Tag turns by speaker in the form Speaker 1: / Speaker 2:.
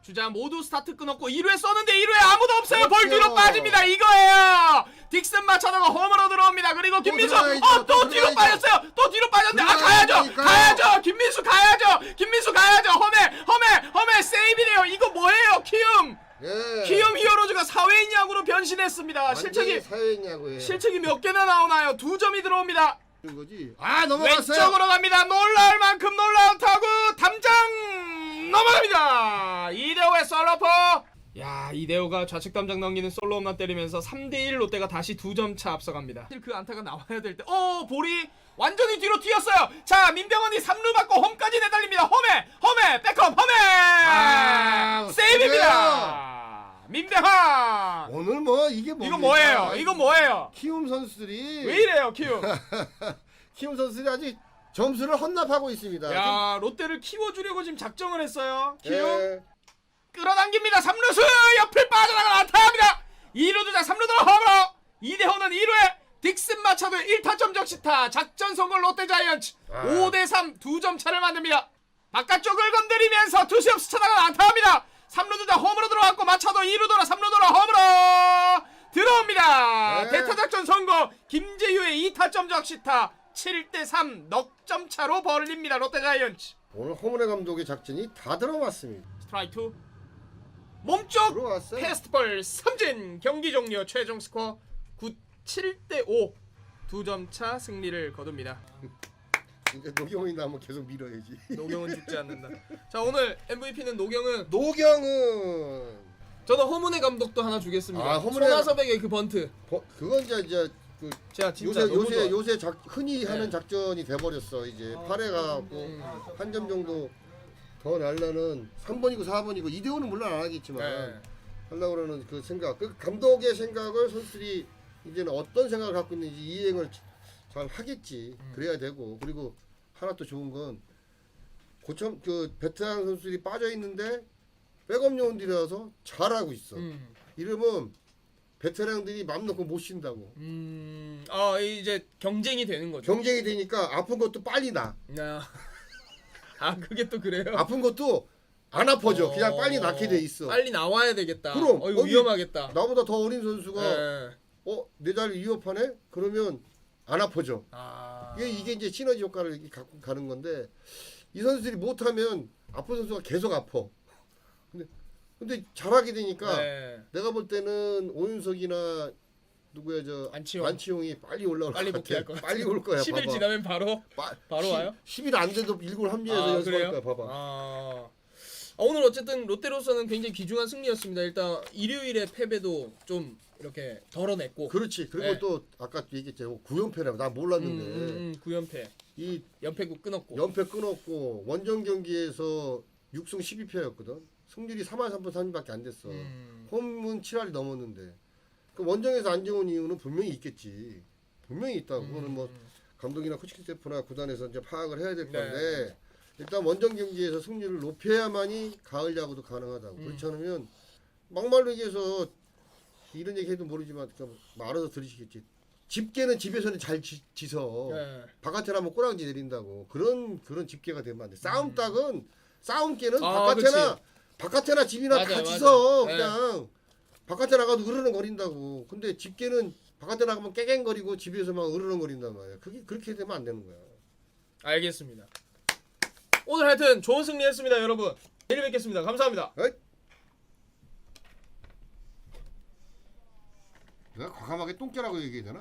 Speaker 1: 주자 모두 스타트 끊었고 1회 썼는데 1회 아무도 없어요. 볼 뒤로
Speaker 2: 그렇죠.
Speaker 1: 빠집니다. 이거예요. 딕슨 마차도가 홈으로 들어옵니다. 그리고 김민수 또 뒤로 빠졌어요. 또 뒤로 빠졌는데 가야죠. 김민수 가야죠. 홈에 세이브네요. 이거 뭐예요? 키움 히어로즈가 사회인 야구로 변신했습니다. 실책이 몇 개나 나오나요? 2점이 들어옵니다.
Speaker 2: 거지. 넘어갔어요.
Speaker 1: 왼쪽으로 갑니다. 놀라울 만큼 놀라운 타구 담장 넘어갑니다. 이대호의 솔로포. 야, 이대호가 좌측 담장 넘기는 솔로 홈런 때리면서 3대1 롯데가 다시 2점 차 앞서갑니다. 사실 그 안타가 나와야 될 때 볼이 완전히 뒤로 튀었어요. 자, 민병헌이 3루 받고 홈까지 내달립니다. 홈에 백홈 세이브입니다. 민병헌.
Speaker 2: 오늘 뭐 이게
Speaker 1: 이거 뭐예요?
Speaker 2: 키움 선수들이
Speaker 1: 왜 이래요, 키움?
Speaker 2: 키움 선수들이 아직 점수를 헌납하고 있습니다.
Speaker 1: 야, 롯데를 키워주려고 지금 작정을 했어요. 키움
Speaker 2: 예.
Speaker 1: 끌어당깁니다. 3루수 옆을 빠져나가 안타합니다. 2루 주자 3루 들어 홈으로. 이대호는 1루에 딕슨 마차도의 1타점 적시타. 작전 성공 롯데 자이언츠 5대3 2점 차를 만듭니다. 바깥쪽을 건드리면서 투수협 스쳐나가 안타합니다. 3루 주자 홈으로 들어왔고 마차도 2루 돌아 3루 돌아 홈으로 들어옵니다. 대타작전 성공. 김재유의 2타점 적시타. 7대3 넉점 차로 벌립니다. 롯데 자이언츠.
Speaker 2: 오늘 허문회 감독의 작전이 다 들어맞습니다.
Speaker 1: 스트라이크 2 몸쪽
Speaker 2: 들어왔어요.
Speaker 1: 패스트볼 삼진. 경기 종료. 최종 스코어 7대5 2점 차 승리를 거둡니다.
Speaker 2: 이제 노경훈이 나면 계속 밀어야지.
Speaker 1: 노경은 죽지 않는다. 자, 오늘 MVP는 노경은. 저는 허문의 감독도 하나 주겠습니다. 손아섭에게 그 번트.
Speaker 2: 그건 이제 그
Speaker 1: 제가 진짜
Speaker 2: 요새 흔히 하는 작전이 돼버렸어. 이제 8회 가고 한 점 정도 더 날려는 3번이고 4번이고 이대호는 물론 안 하겠지만 하려고 그러는 그 생각, 그 감독의 생각을 선수들이 이제는 어떤 생각을 갖고 있는지 이행을 잘 하겠지. 그래야 되고, 그리고 하나 또 좋은 건 고참 그 베테랑 선수들이 빠져 있는데 백업 요원들이라서 잘하고 있어. 이러면 베테랑들이 맘 놓고 못 쉰다고.
Speaker 1: 이제 경쟁이 되는 거죠.
Speaker 2: 경쟁이 되니까 아픈 것도 빨리 나.
Speaker 1: 그게 또 그래요?
Speaker 2: 아픈 것도 안 아파져. 그냥 빨리 낫게 돼 있어.
Speaker 1: 빨리 나와야 되겠다.
Speaker 2: 그럼
Speaker 1: 이거 위험하겠다.
Speaker 2: 나보다 더 어린 선수가 내 자리 위협하네? 그러면 안 아파져. 이게 이제 시너지 효과를 이렇게 갖고 가는 건데, 이 선수들이 못하면 아픈 선수가 계속 아파. 근데 잘하게 되니까 내가 볼 때는 오윤석이나 누구야 안치홍이 빨리 올라올 것 같아. 빨리 올 거야.
Speaker 1: 10일 지나면 바로 와요?
Speaker 2: 10일 안 돼도 일골 합류해서 연습할 거야. 봐봐.
Speaker 1: 오늘 어쨌든 롯데로서는 굉장히 귀중한 승리였습니다. 일단 일요일에 패배도 좀 이렇게 덜어냈고.
Speaker 2: 그렇지. 그리고 또 아까 얘기했죠. 9연패라고 나 몰랐는데.
Speaker 1: 9연패. 이 연패국 끊었고.
Speaker 2: 연패 끊었고 원정 경기에서 6승 12패였거든. 승률이 3할 3푼 3厘밖에 안 됐어. 홈은 7할이 넘었는데. 그 원정에서 안 좋은 이유는 분명히 있겠지. 분명히 있다고. 그거는 뭐 감독이나 코칭 스태프나 구단에서 이제 파악을 해야 될 건데, 일단 원정 경기에서 승률을 높여야만이 가을 야구도 가능하다고. 그렇지 않으면 막말로 얘기해서 이런 얘기 해도 모르지만 알아서 들으시겠지. 집게는 집에서는 잘 지서 바깥에 나면 꼬랑지 내린다고. 그런 집게가 되면 안 돼. 싸움개는 바깥에나 집이나 다 지서 그냥 바깥에 나가도 으르렁거린다고. 근데 집게는 바깥에 나가면 깨갱거리고 집에서 막 으르렁거린단 말이야. 그게 그렇게 되면 안 되는 거야.
Speaker 1: 알겠습니다. 오늘 하여튼 좋은 승리했습니다, 여러분. 내일 뵙겠습니다. 감사합니다.
Speaker 2: 내가 과감하게 똥개라고 얘기해야 되나?